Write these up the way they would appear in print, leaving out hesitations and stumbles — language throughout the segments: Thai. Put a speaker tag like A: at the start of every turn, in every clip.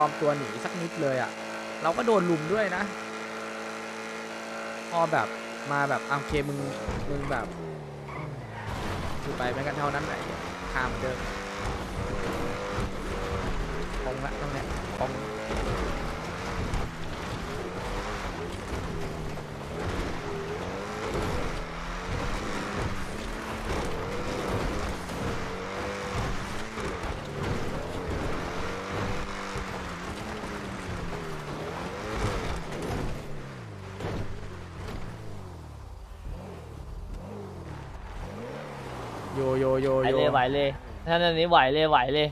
A: ปลอมตัวหนีสักนิดเลยอ่ะเราก็โดนลุมด้วยนะพอแบบมาแบบโอเคมึงแบบคือไปไม่กันเท่านั้นไหนข้ามเดิมคงละตรงเนี้ยคงโย
B: ไหวเลยท่านอันนี้ไหวเลย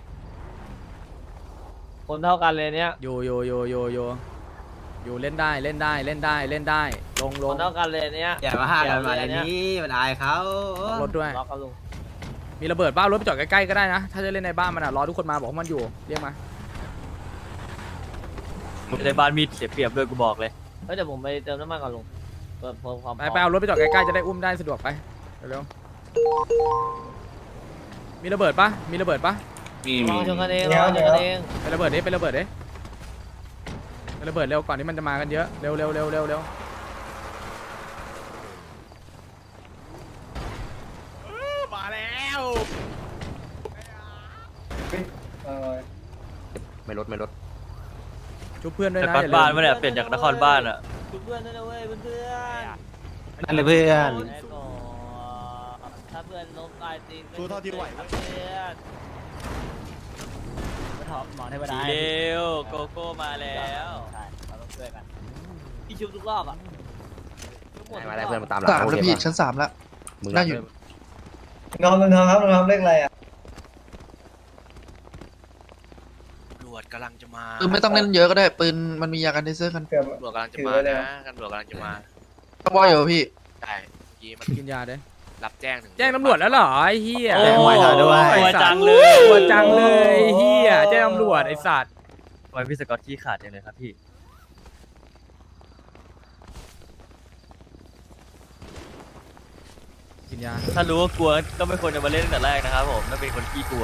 B: คนเท่ากันเลยเนี้ย
A: โยเล่นได้ลง
B: คนเท่ากันเลยเนี้ย
C: อย่ามาห้ากันมาอย่างนี้มันอายเขา
A: รถด้วย
B: ล็อกกันลุง
A: มีระเบิดบ้ารถไปจอดใกล้ๆก็ได้นะถ้าจะเล่นในบ้านมันอ่ะรอทุกคนมาบอกว่ามันอยู่เรียกมา
D: ในบ้านมีเสียเปรียบด้วยกูบอกเลย
B: เดี๋ยวผมไปเติมน้ำมันก่อนลุงเพิ่มความ
A: ไปเอารถไปจอดใกล้ๆจะได้อุ้มได้สะดวกไปเร็วๆมีระเบิดปะ
B: ลองชนกันเอง
A: ไประเบิดดิไประเบิดเร็วก่อนที่มันจะมากันเยอะเร็วมาแล้ว
C: ไม่ลด
A: ชุบเพื่อนด้วย
D: แต่
A: นะ
D: บ้านบ้านมันเนี่ยเปลี่ยนจากนครบ้านอ่ะ
B: เพื่อนด้วยนะเว้ยเพื่อน
C: นั่นเลยเพื่อน
B: ถ้าเพื่อนล้มตายจริง
E: สู้เท่าที่ไหว
B: เพื่อน
D: หมอเทวดาเร็วโกโก้มาแล้ว
B: ใช่เราต้องช่วยกันพี่ชุบทุกรอบอ่ะ
C: มาได้เพื่อนมาตามหลัง
F: 3แล้วพี่ชั้น3แล้วน่าอยู่
G: น้องครับน้องเลขอะไรอ่ะ
E: ตำรวจกำลังจะมา
F: ปืนไม่ต้องเล่นเยอะก็ได้ปืนมันมียากันเทเซอร์กัน
G: เกือบ
E: ตำรวจกำลังจะมานะตำรวจกำลังจะมา
F: ต้องว่าอยู่พี่
E: ใช่เมื่อกี้มัน
A: กินยาเด้
E: รับแจ้งถึง
A: แจ้งตำรวจแล้วเหรอไอ้เหี้ย
D: โอ้ยตัวจังเลย
A: ตัวจังเลยไอ้เหี้ยแจ้งตำรวจไอ้สัตว์
D: ทำไมพี่สกอตขี้ขาดจังเลยครับพี่
A: กินยา
D: ถ้ารู้ว่ากลัวก็ไม่ควรจะมาเล่นตั้งแต่แรกนะครับผมถ้าเป็นคนขี้กลัว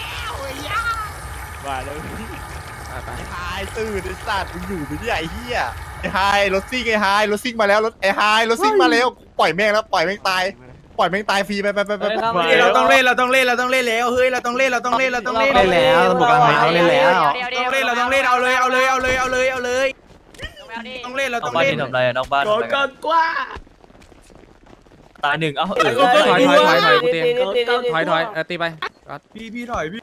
E: ว่าแล้ว
A: ไป
E: ไอ้ไฮตื่นไอ้สัตว์มึงอยู่ไม่ได้ไอ้เหี้ยไอ้ไฮรถซิ่งไอ้ไฮรถซิ่งมาแล้วรถไอ้ไฮรถซิ่งมาแล้วปล่อยแม่งแล้วปล่อยแม่งตายฟรีไป
A: เราต้องเล่นแล้วเฮ้ยเราต้องเล่นแล้วเล่นแล้วตำรวจกำลังมาต้องเล่นแล้ว
C: ต้องเล่นแล้ว
A: เราต้องเล่นเอาเลยต้องเล่นเรา
D: น
A: ต้
D: อ
A: อก ง
D: บ้าน
A: เล่น
D: ที่ทำอะไรอะนอกบ้านทำอะไรกันตายหนึ่งเอ้า
A: ถอยกูเตียงถอยตีไป
E: พี่ถอยพี่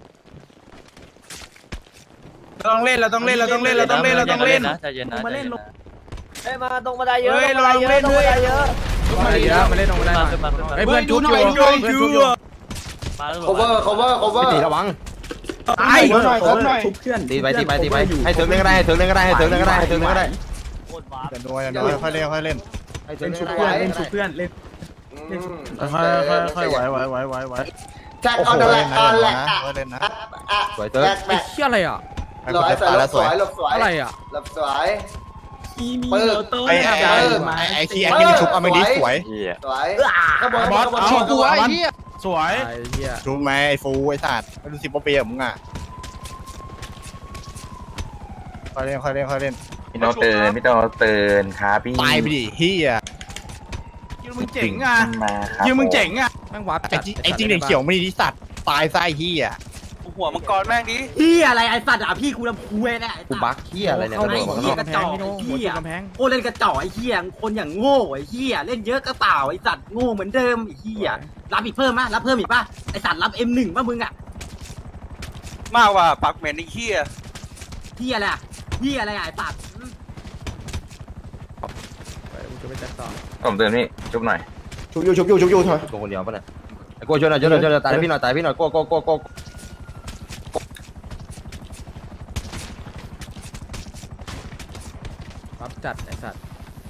A: เราต้องเล่น
D: นะใจเย็นนะมาเล่นลง
B: มาตรงบันไดเยอะ
A: เฮ้ยเราเล่นด้วย
B: เยอะ
A: มาเยอะมาเล่นตรงได้
D: ขึ้นมา
A: ไอ้เพื่อนจุ๊บอยู่
D: มาแล้ว
C: cover ตีระวัง
A: ตาย
C: ตีไปให้เถิงเล่นก็ได้ให้เถิงเล่นก็ได้
B: โคตรว้า
E: อย่าโดนอย่าโดนค่อยเล่นค่อยเล่น
C: ให้เถิงเล่นก็ได้เล่นชุบเพื่อน
E: ค่อยไหว
G: แจ็ค
E: โอ้โห
G: เอาแต่แหล
E: เล่
G: ก
E: น
G: เอา
E: นะ
G: แหลก
E: เล่นนะ
C: สวยเถิง
A: ไอ้เหี้ยอะไรอ่ะ
E: ให้คนจะตายแล้วสวย
G: หลบสวย
A: อะไรอ่ะ
G: หลบสวยปืน
E: ไอ้คีแอนนี่มันชุบเอาไม่ดีสวย
G: สวยข้างบน
E: บอส
G: ข้างบน
E: เอา
F: ฉีกตัวไอ้เหี้ย
E: สวย
A: ไอ้เหี้ย
E: ชุบไหมไอ้ฟูไอ้สัตว์ไม่รู้10 ปีอะมึงอ่ะค่อยเล่น
H: พี่โนตื่นครับพี่
E: ตายไปดิเฮีย
A: มึงเจ๋งอ่ะ
H: มาครับ
E: มึงเจ๋งอ่ะ
A: แม่งวับ
E: ไอ้จริงเด็กเขียวไม่ดีสัตว์ตายซะไอ้เฮีย
H: หัวมังกรแม่งดิ
C: พี่อะไรไอ้สัตว์อ่ะพี่กูลำพูเน่กูบักเฮียอะไรเนี่ย
A: เข้า
C: ตำรวจ
A: หัว
C: ข้างนอก
A: กำแพงพี่โน้หัวกำแพง
C: โอ้เล่นกระจอกไอ้เฮียคนอย่างโง่ไอ้เฮียเล่นเยอะก็เปล่าไอ้สัตว์โง่เหมือนเดิมไอ้เฮียรับอีกเพิ่มมั้ยรับเพิ่มอีกป่ะไอ้สัตว์รับ M1 ป่ะมึงอ่ะ
H: มากว่าปักเหม็นไอ้เหี้ย
C: เฮียอะไรอ่ะเฮียอะไรไอ้สัตว์
A: ไปกูจะไปจัดต่อ
H: ผมเตือนพี่จุ๊บหน่อย
C: ชุบอยู่ถอยตัวคนเดียวป่ะเนี่ยไอ้โก้ช่วยหน่อยตายพี่หน่อยโก้
A: วับจัดไอ้สัตว์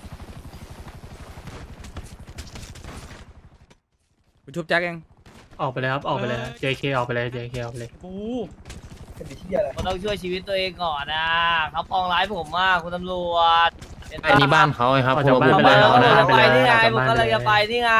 A: กูชุบแจ็คเอง
I: ออกไปเลยครับ ออกไปเลย JK ออกไปเลย JK ออกไปเลย
G: เป็นที่อะไร
B: มันต้องช่วยชีวิตตัวเองก่อนนะเขาปองร้ายผมมากคุณตำรวจ
I: อันนี้บ้านเขาครับ
B: ผม
I: ไปเลย
B: ไปนี่ไงผมก็เลยจะไปนี่ไง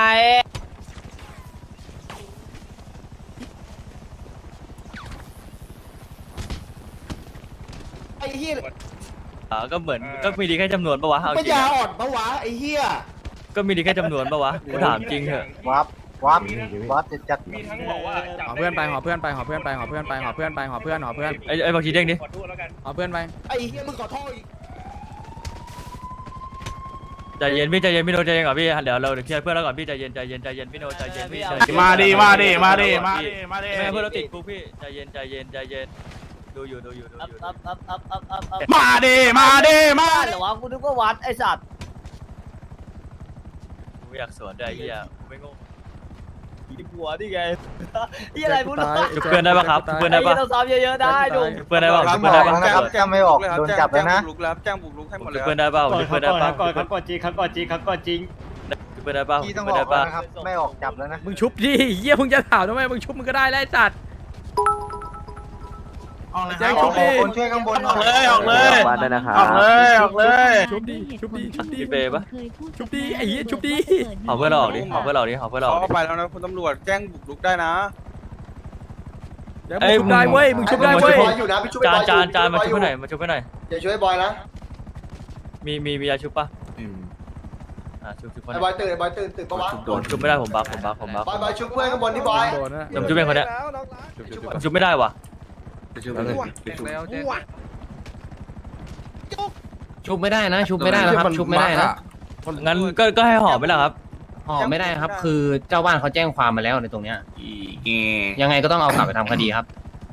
G: อ้เหี้ย
D: ก็เหมือนก็มีดีแค่จำนวนปะวะเอา
G: ปัญ
D: จริง
G: ญา
D: อะ
G: อ่อนปะวะไอ้เหี้ย
D: ก็มีดีแค่จำนวนปะวะกูถามจริงเถอะ
E: วับจะจัด
A: หอเพื่อนไปหอเพื่อนไปหอเพื่อนไปหอเพื่อนไปหอเพื่อนไปหอเพื่อนหอเพื่อน
D: ไอ้บางทีเด้งดิ
A: หอเพื่อนไป
G: ไอ้เหี้ยมึงขอโทษอีก
D: ใจเย็นพี่ใจเย็นพี่โนใจเย็นก่อนพี่เดี๋ยวเราเคลียร์เพื่อนแล้วก่อนพี่ใจเย็นพี่โนใจเย็นพี่ใจเย็น
E: มาดิมาดิมาดิมาดิมาดิ
D: ไม่ให้เพื่อนเราติดคุกพี่ใจเย็นดูอยู่
B: อัพอัพ
E: มาดิมาดิมา
B: บ้านเหรอวะกูนึกว่าวัดไอ้สัตว์
D: กูอยากสวนได้เหี้ยกูไม่โง่
B: อีหัวนี่ไงนี่อะไรพูดเลย
D: จุกเพื่อนได้ปะครับจุกเพื่อนได้ปะ
B: ไอ้เราซ้อมเยอะๆได้ดู
D: จุกเพื่อนได้ปะจุกเพื่อนได้ปะ
H: แจ้งไม่ออกโดนจับแล้วนะแจ้งบุกรุกให้หมดเล
D: จุ
H: ย
D: กเพื่อนได้ปะจุกเพื่อนได้ปะ
I: เขากดจริงเขากดจริงเขากดจริง
D: จุกเพื่อนได้ปะจุกเพื่อนได้ปะ
H: ไม่ออกจับแล้วนะ
A: มึงชุบดิเหี้ยมึงจะถามทำไมมึงชุบมึงก็ได้แล้วไอ้สัตว์แจ้งชุบดิ
H: คนช่วยข้างบน
E: ออกเลยออกเลย
H: บ้านได้นะครับ
E: ออกเลยออกเลย
A: ชุบดิชุบดิชุบดิ
D: พี่เปย์ปะ
A: ชุบดิไอ้เหี้ยชุบดิ
D: เอาเพื่อนเราออกดิเอาเพื่อนเราออกดิเอาเพื่อนเราออกดิ
H: เขาไปแล้วนะคุณตำรวจแจ้งบุกรุกได้นะ
A: เดี๋ยวมึงชุบได้เว้ยมึงชุบได้
G: ช่ว
A: เว้
G: ย
A: ย
G: บอยอยู่นะพี่ช่วยบอย
D: จานมาชุบเพื่อนหน่อยมาชุบเพื่อนหน่อย
G: อย่าช่วยบอยนะ
D: มียาชุบปะชุบเพื่อน
G: ไอ้บอยตื่นไอ้บอยตื่นปะวะ
D: ชุบไม่ได้ผมบัฟ
G: บอยชุบเพื่อนข้างบนที่บอย
A: โดนนะ
D: ผมชุบเป็นคนเนี้ยผมชุบไม่ได้ว่ะ
I: ชุบไม่ได้นะ ชุบไม่ได้นะครับ ชุบไม่ได้นะ
D: งั้นก็ให้ห่อไปแล้วครับ
I: ห่อไม่ได้ครับ คือเจ้าบ้านเขาแจ้งความมาแล้วในตรงเนี้ยยังไงก็ต้องเอากลับไปทำคดีครับ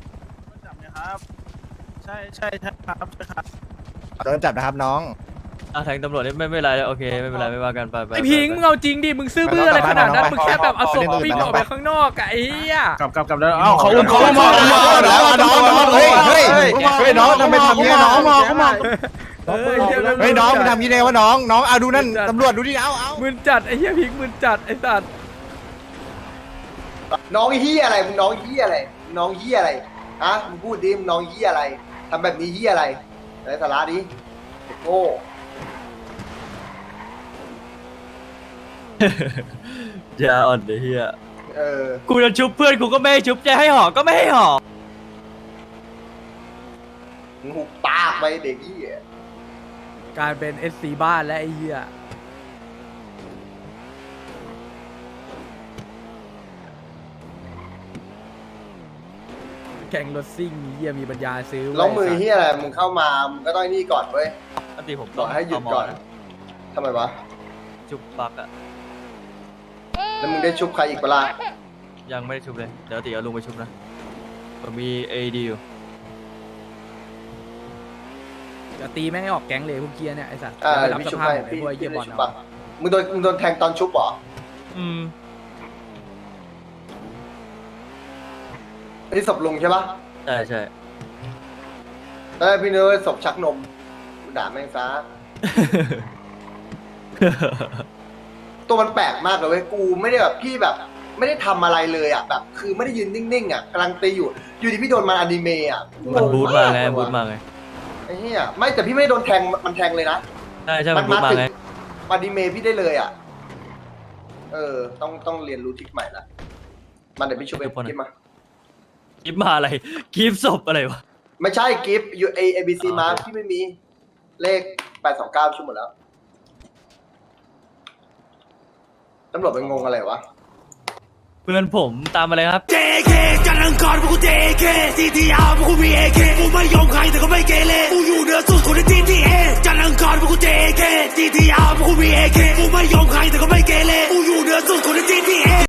E: ใช่ครับโดนจับนะครับน้อง
D: แทงตำรวจนี่ไม่เป็นไรโอเคไม่เป็นไรไม่ว่ากันไป
A: ไอ้พิงมึงเอาจริงดิมึงซื่อบื้ออะไรขนาดนั้นมึงแค่แบบเอาศพปิ้งออกไปข้างนอกอะไอ้เหี้ย
E: กลับแล้วเอ้าเขาอุ้มเขามาแล้วน้องเฮ้ยน้องทำไมทำเงี้ยน้องเฮ้ยน้องมันทำงี้ได้วะน้องเอาดูนั่นตำรวจดูดิเอา
A: มึนจัดไอ้เหี้ยพิงมึนจัดไอ้สัตว์
G: น้องเหี้ยอะไรมึงน้องเหี้ยอะไรน้องเหี้ยอะไรฮะมึงพูดดิมึงน้องเหี้ยอะไรทำแบบนี้เหี้ยอะไรไร้สาระดิโง่
D: อย่าอ่อนเดี๋ยวเฮีย
G: อ
D: กูจะชุบเพื่อนกูก็ไม่ให้ชุบจะให้ห่อก็ไม่ให้ห่อ
G: มึงหุบปากไปเด็กเหี้ย
A: กลายเป็น SC บ้านและไอ้เหี้ยแข่งรถซิ่งมีเหี้ยมีปัญญาซื้อ
G: แล้วมือเหี้ยอะไรมึงเข้ามามึงก็ต้องนี่ก่อนเว้ย
D: อันตีผม
G: บอกให้หยุดก่อนทำไมวะ
D: ชุบปักอะ
G: แล้วมึงได้ชุบใครอีกเปล่า
D: ยังไม่ได้ชุบเลยเดี๋ยวตีเอาลุงไปชุบนะผมมีADอยู่
A: จะตีแม่งให้ออกแก๊งเลยพวกเกียร์เนี่ยไอ้สัตว์
G: อ่า
A: ไปรับ
G: พี่
A: ส
G: ชุบ
A: ภาพ
G: ให้
A: ไอ้
G: พี่
A: พวกไอ้เกียร์บอล
G: ชุบ
A: เอา
G: ปะมึงโดนแทงตอนชุบเหรอ อันนี้ศพลุงใช่ปะ
D: ใช่
G: พี่เนื้อศพชักนมกูด่าแม่งซะ ตัวมันแปลกมากเลยเว้ยกูไม่ได้แบบพี่แบบไม่ได้ทำอะไรเลยอ่ะแบบคือไม่ได้ยืนนิ่งๆอ่ะกำลังตีอยู่ดีพี่โดนมาอนิเมะอ่ะ
D: มันบูทมาไง
G: งง
D: บูทมาไง
G: ไอ้เหี้ยไม่แต่พี่ไม่ได้โดนแทงมันแทงเลยนะ
D: ใช่มันบูทมาไง
G: อนิเมะพี่ได้เลยอ่ะต้องเรียนรู้ทริคใหม่ละมันเดี๋ยวพี่ช่วยไปกิฟมา
D: กิฟมาอะไรกิฟศพอะไรวะ
G: ไม่ใช่กิฟยูเอบีซีมาพี่ไม่มีเลข829ชั่วหมดแล้วตำรวจเป็นงงอะไรวะ
D: เพื่อนผมตามมาเลยครับ
J: JK จันทร์อังคารพวกกู JK CTR พวกกู BAK กูไม่ยอมใครแต่ก็ไม่เกเรกูอยู่เหนือสุดคนใน GTA จันทร์อังคารพวกกู JK CTR พวกกู BAK กูไม่ยอมใครแต่ก็ไม่เกเรกู